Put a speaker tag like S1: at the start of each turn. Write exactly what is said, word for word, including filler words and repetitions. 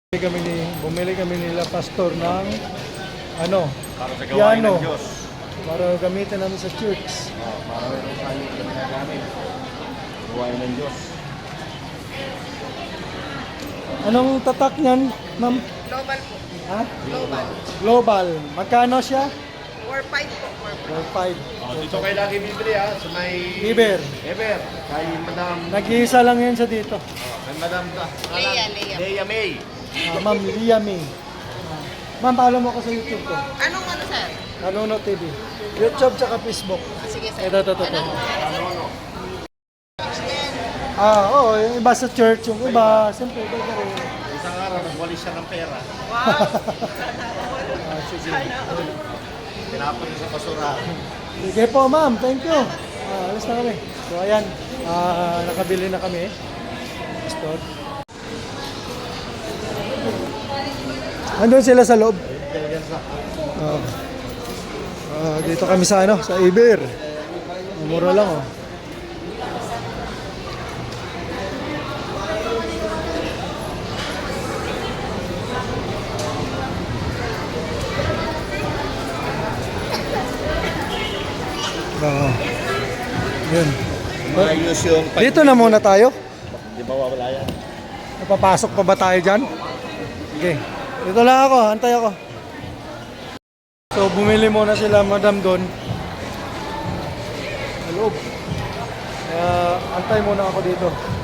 S1: Bumili kami ni bumili kami nila pastor ng ano,
S2: Para sa gawain
S1: piano
S2: ng Diyos.
S1: para gamitin namin sa church.
S2: Oh, para meron tayo ginagamit. Gawain ng Diyos.
S1: Anong tatak niyan, ma'am?
S3: Global po.
S1: Ha?
S3: Global.
S1: Global. Magkano siya?
S3: four five po. four five.
S1: four five.
S2: Oh, dito kayo lagi bibili ha, sa may...
S1: Iber.
S2: Eber. Kay Madam...
S1: Nag-iisa lang yan sa dito.
S2: Oh, kay Madam...
S3: Leia, Leia.
S2: Leia May.
S1: Ah, ma'am Lia May. Ah. Ma'am, follow mo ko sa YouTube ko.
S3: Anong ano, sir?
S1: Nanuno T V. YouTube tsaka Facebook.
S3: Ah, sige, sir.
S1: Ito, ito, ito. ito.
S3: Anong
S2: Ano, ano?
S1: Ah, oo. Yung iba sa church, yung iba, siyempre, iba ka rin.
S2: Isang araw, nagwalis siya ng pera.
S3: Wow.
S1: Ah, sige.
S2: Tinapon niya sa basurahan.
S1: Sige po, ma'am. Thank you. Ah, alis na kami. So, ayan. Ah, nakabili na kami. Pastor. Andun sila sa loob. Ah. Ah, dito kami sa ano, sa Iber. Mura lang, oh. Ah. Yun.
S2: Maayos yung...
S1: Dito na muna tayo.
S2: Di ba wala yan?
S1: Napapasok pa ba tayo dyan? Okay. Dito lang ako, antay ako. So, bumili muna sila, madam, doon. Sa loob. Kaya, antay muna ako dito.